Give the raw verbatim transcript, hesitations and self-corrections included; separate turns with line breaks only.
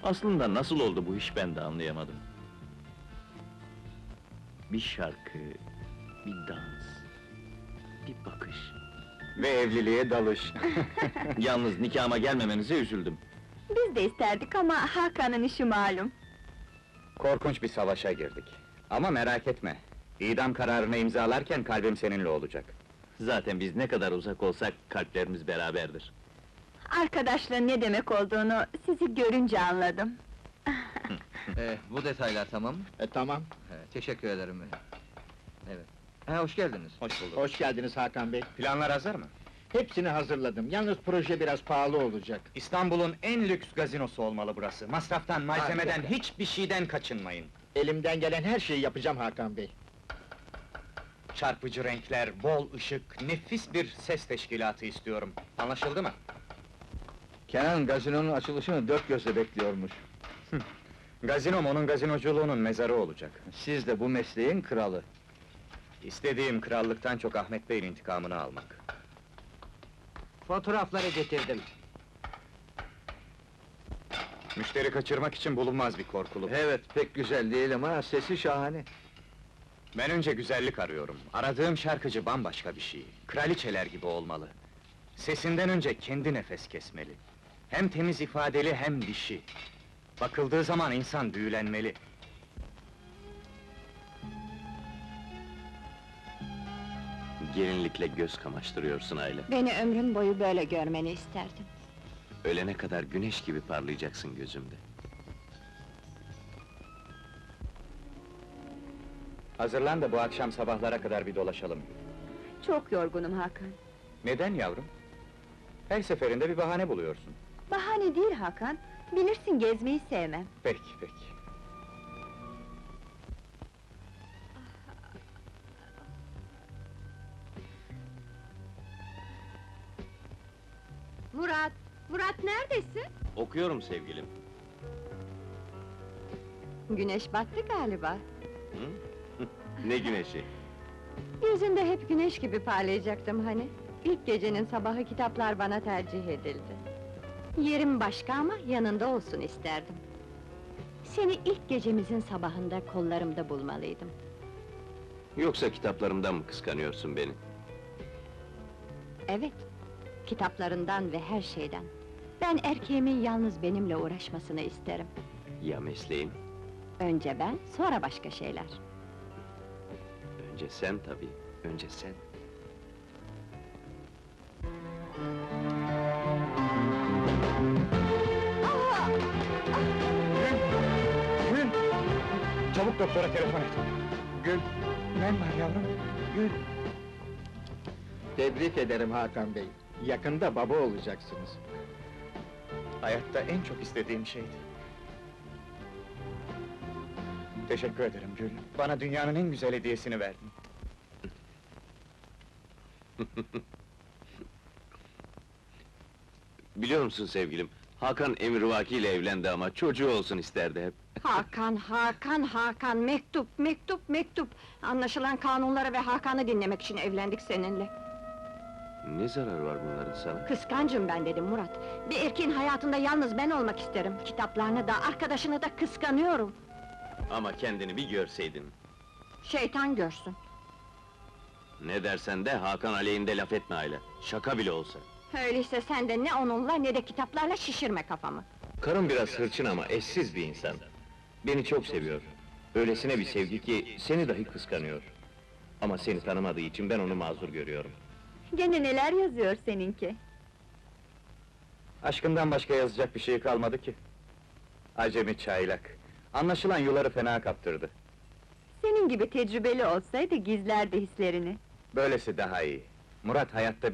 Aslında nasıl oldu bu iş ben de anlayamadım. Bir şarkı, bir dans, bir bakış.
Ve evliliğe dalış.
Yalnız nikahıma gelmemenize üzüldüm.
Biz de isterdik ama Hakan'ın işi malum.
Korkunç bir savaşa girdik. Ama merak etme, idam kararını imzalarken kalbim seninle olacak.
Zaten biz ne kadar uzak olsak kalplerimiz beraberdir.
Arkadaşlığın ne demek olduğunu sizi görünce anladım.
Ee, bu detaylar tamam mı?
E, tamam.
He, teşekkür ederim. Evet. Ha, hoş geldiniz.
Hoş bulduk.
Hoş geldiniz Hakan Bey.
Planlar hazır mı?
Hepsini hazırladım. Yalnız proje biraz pahalı olacak.
İstanbul'un en lüks gazinosu olmalı burası. Masraftan, malzemeden,
Harika.
hiçbir şeyden kaçınmayın.
Elimden gelen her şeyi yapacağım Hakan Bey.
Çarpıcı renkler, bol ışık, nefis bir ses teşkilatı istiyorum. Anlaşıldı mı?
Kenan gazinonun açılışını dört gözle bekliyormuş.
Gazinom onun gazinoculuğunun mezarı olacak.
Siz de bu mesleğin kralı.
İstediğim krallıktan çok Ahmet Bey'in intikamını almak.
Fotoğrafları getirdim.
Müşteri kaçırmak için bulunmaz bir korkuluk.
Evet, pek güzel değil ama sesi şahane.
Ben önce güzellik arıyorum. Aradığım şarkıcı bambaşka bir şey. Kraliçeler gibi olmalı. Sesinden önce kendi nefes kesmeli. Hem temiz ifadeli hem dişi. Bakıldığı zaman insan büyülenmeli.
Gelinlikle göz kamaştırıyorsun Ayla.
Beni ömrün boyu böyle görmeni isterdim.
Ölene kadar güneş gibi parlayacaksın gözümde.
Hazırlan da bu akşam sabahlara kadar bir dolaşalım.
Çok yorgunum Hakan.
Neden yavrum? Her seferinde bir bahane buluyorsun.
Bahane değil Hakan. Bilirsin gezmeyi sevmem.
Peki, peki.
Murat, Murat neredesin?
Okuyorum sevgilim.
Güneş battı galiba.
Hı? Ne güneşi?
Yüzünde hep güneş gibi parlayacaktım hani. İlk gecenin sabahı kitaplar bana tercih edildi. Yerim başka ama yanında olsun isterdim. Seni ilk gecemizin sabahında kollarımda bulmalıydım.
Yoksa kitaplarımdan mı kıskanıyorsun beni?
Evet, kitaplarından ve her şeyden. Ben erkeğimin yalnız benimle uğraşmasını isterim.
Ya mesleğim?
Önce ben, sonra başka şeyler.
Önce sen tabii, önce sen.
Gül! Çabuk doktora telefon et. Gül! Ne var yavrum? Gül!
Tebrik ederim Hakan Bey. Yakında baba olacaksınız.
Hayatta en çok istediğim şeydi. Teşekkür ederim Gül. Bana dünyanın en güzel hediyesini verdin.
Biliyor musun sevgilim, Hakan emrivaki ile evlendi ama çocuğu olsun isterdi hep.
Hakan, Hakan, Hakan, mektup, mektup, mektup! Anlaşılan kanunları ve Hakan'ı dinlemek için evlendik seninle.
Ne zararı var bunların sana?
Kıskancım ben dedim Murat. Bir erkeğin hayatında yalnız ben olmak isterim. Kitaplarını da, arkadaşını da kıskanıyorum.
Ama kendini bir görseydin.
Şeytan görsün.
Ne dersen de Hakan aleyhinde laf etme Ayla. Şaka bile olsa.
Öyleyse sen de ne onunla ne de kitaplarla şişirme kafamı.
Karım biraz hırçın ama eşsiz bir insan. Beni çok seviyor. Öylesine bir sevgi ki seni dahi kıskanıyor. Ama seni tanımadığı için ben onu mazur görüyorum.
Gene neler yazıyor seninki?
Aşkından başka yazacak bir şey kalmadı ki. Acemi çaylak. Anlaşılan yuları fena kaptırdı.
Senin gibi tecrübeli olsaydı gizlerdi hislerini.
Böylesi daha iyi. Murat hayatta